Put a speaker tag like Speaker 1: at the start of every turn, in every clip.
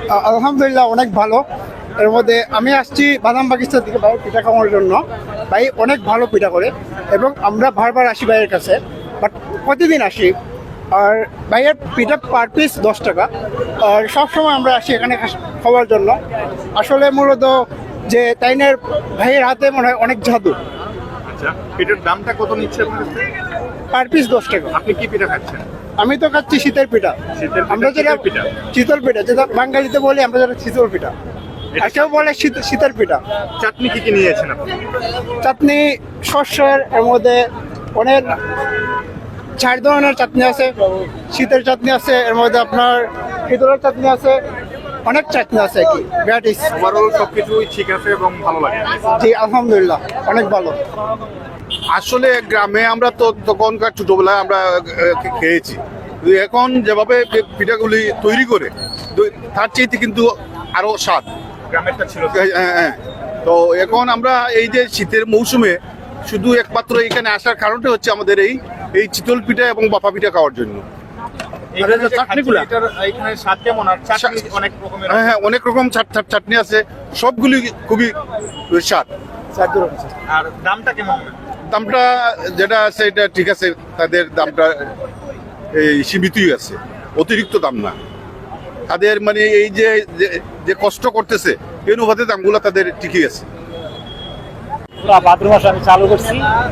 Speaker 1: আলহামদুলিল্লাহ অনেক ভালো। এর মধ্যে আমি আসছি বাদাম বাগিচা থেকে ভাই পিঠা খাওয়ার জন্য। ভাই অনেক ভালো পিঠা করে এবং আমরা বারবার আসি ভাইয়ের কাছে, বাট প্রতিদিন আসি। আর ভাইয়ের পিঠা পার পিস 10 টাকা। আর সবসময় আমরা আসি এখানে খাওয়ার জন্য। আসলে মূলত যে তাইনের ভাইয়ের হাতে মনে হয় অনেক জাদু।
Speaker 2: আচ্ছা, পিঠার দামটা কত নিচ্ছে আপনার কাছে?
Speaker 1: পার পিস 10 টাকা।
Speaker 2: আপনি কি পিঠা খাচ্ছেন?
Speaker 1: আমি তো খাচ্ছি শীতের পিঠা।
Speaker 2: শীতের পিঠা,
Speaker 1: আমরা যেটা
Speaker 2: শীতের পিঠা।
Speaker 1: শীতল পিঠা, যেটা বাঙালিতে বলি আমরা যেটা শীতল পিঠা, আর কেউ বলে শীতের পিঠা।
Speaker 2: চাটনি কি কি নিয়েছেন আপনি?
Speaker 1: চাটনি শস্যের, এর মধ্যে অনেক 4 ধরনের চাটনি আছে। শীতের চাটনি আছে, এর মধ্যে আপনার শীতলের চাটনি আছে, অনেক চাটনি আছে কি ভ্যারাইটিস।
Speaker 2: ওভারঅল সবকিছুই ঠিক আছে এবং ভালো লাগে।
Speaker 1: জি আলহামদুলিল্লাহ অনেক ভালো।
Speaker 3: আসলে গ্রামে আমরা তো তখনকার ছোটবেলায় আমরা খেয়েছি, কিন্তু এখন যেভাবে পিঠাগুলি তৈরি করে তার চাইতে কিন্তু আরো স্বাদ।
Speaker 2: গ্রামেরটা ছিল।
Speaker 3: হ্যাঁ, হ্যাঁ। তো এখন আমরা এই যে শীতের মৌসুমে শুধু একমাত্র এখানে আসার কারণটা হচ্ছে আমাদের এই চিতল পিঠা এবং বাফা পিঠা খাওয়ার জন্য।
Speaker 2: এখানে যে
Speaker 3: চাটনিগুলা?
Speaker 2: খাচ্ছি, এখানে স্বাদ কেমন? আর চাটনি অনেক রকমের।
Speaker 3: হ্যাঁ, হ্যাঁ, অনেক রকম চাটনি আছে, সবগুলি খুবই স্বাদ।
Speaker 2: আর দামটা কেমন?
Speaker 3: দামটা যেটা আছে এটা ঠিক আছে, তাদের দামটা এই সীমিতই আছে, অতিরিক্ত দাম না। তাদের মানে এই যে কষ্ট করতেছে এই অনুপাতে দামগুলো তাদের ঠিকই আছে।
Speaker 4: পুরা ভাদ্র মাস আমি চালু করছি,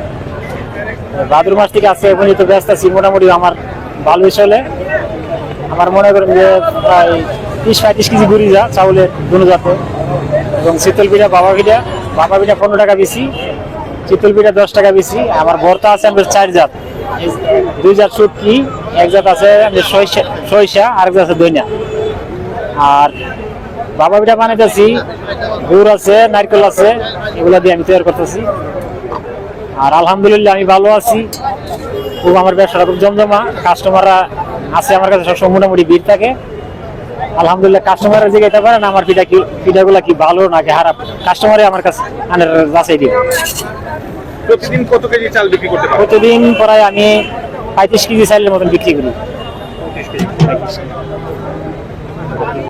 Speaker 4: ভাদ্র মাস থেকে আছে এখন তো ব্যস্ত আছি। মোটামুটি আমার ভালোই চলে। আমার মনে করেন যে প্রায় 30-35 কেজি গুড়ি যা চাউলের দুনো জাতে, এবং শীতল পিঠা বাবা পিঠা 15 টাকা বেশি, চিতল পিঠা 10 টাকা বেশি। আমার ভর্তা আছে আমাদের 4 জাত, 2 জাত শুটকি, 1 জাত আছে সরিষা, আরেক জাত আছে দইনা। আর বাবা পিঠা বানাইতেছি, গুড় আছে, নারকেল আছে, এগুলা দিয়ে আমি তৈরি করতেছি। আর আলহামদুলিল্লাহ আমি ভালো আছি, খুব আমার ব্যবসাটা খুব জমজমা। কাস্টমাররা আছে আমার কাছে সবসময়, মোটামুটি ভিড় থাকে। আলহামদুলিল্লাহ কাস্টমারের জিজ্ঞাসা পারেন আমার পিঠাগুলা কি ভালো নাকি খারাপ, কাস্টমারে আমার কাছে যাচাই দিব।
Speaker 2: প্রতিদিন কত কেজি চাল বিক্রি করতে পারেন?
Speaker 4: প্রতিদিন প্রায় আমি 35 কেজি চালের মতন বিক্রি করি।
Speaker 2: 35 কেজি।